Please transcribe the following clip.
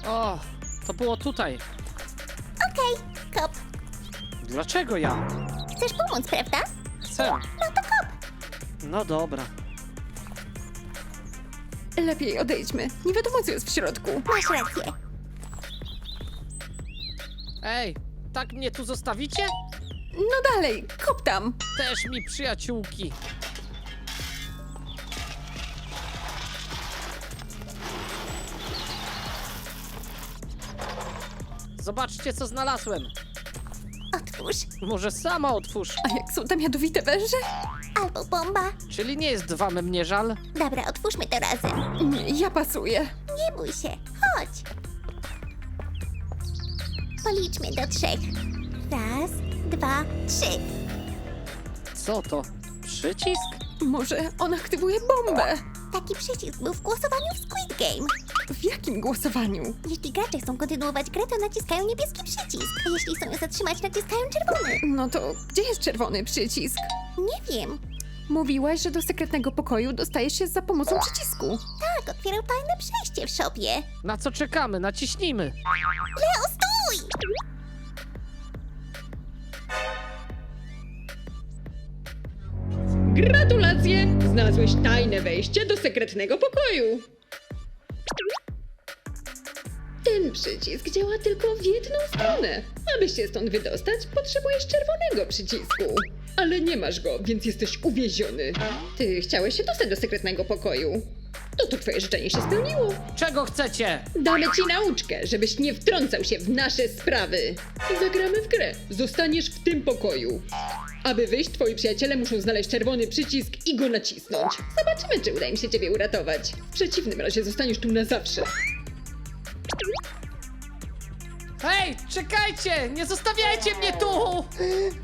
O, to było tutaj. Okej, kop. Dlaczego ja? Chcesz pomóc, prawda? Chcę. No to kop. No dobra. Lepiej odejdźmy. Nie wiadomo, co jest w środku. Masz rację. Ej, tak mnie tu zostawicie? No dalej, kop tam. Też mi przyjaciółki. Zobaczcie, co znalazłem. Otwórz. Może sama otwórz. A jak są tam jadowite węże? Albo bomba. Czyli nie jest wam mnie żal? Dobra, otwórzmy to razem. Nie, ja pasuję. Nie bój się. Chodź. Policzmy do 3. 1, 2, 3. Co to? Przycisk? Może on aktywuje bombę? Taki przycisk był w głosowaniu w Squid Game. W jakim głosowaniu? Jeśli gracze chcą kontynuować grę, to naciskają niebieski przycisk. A jeśli chcą ją zatrzymać, naciskają czerwony. No to gdzie jest czerwony przycisk? Nie wiem. Mówiłaś, że do sekretnego pokoju dostajesz się za pomocą przycisku. Tak, otwierał tajne przejście w szopie. Na co czekamy? Naciśnijmy. Leo, stój! Gratulacje! Znalazłeś tajne wejście do sekretnego pokoju. Ten przycisk działa tylko w jedną stronę. Aby się stąd wydostać, potrzebujesz czerwonego przycisku. Ale nie masz go, więc jesteś uwieziony. Ty chciałeś się dostać do sekretnego pokoju. No to twoje życzenie się spełniło. Czego chcecie? Damy ci nauczkę, żebyś nie wtrącał się w nasze sprawy. Zagramy w grę. Zostaniesz w tym pokoju. Aby wyjść, twoi przyjaciele muszą znaleźć czerwony przycisk i go nacisnąć. Zobaczymy, czy uda im się ciebie uratować. W przeciwnym razie zostaniesz tu na zawsze. Hej, czekajcie! Nie zostawiajcie mnie tu!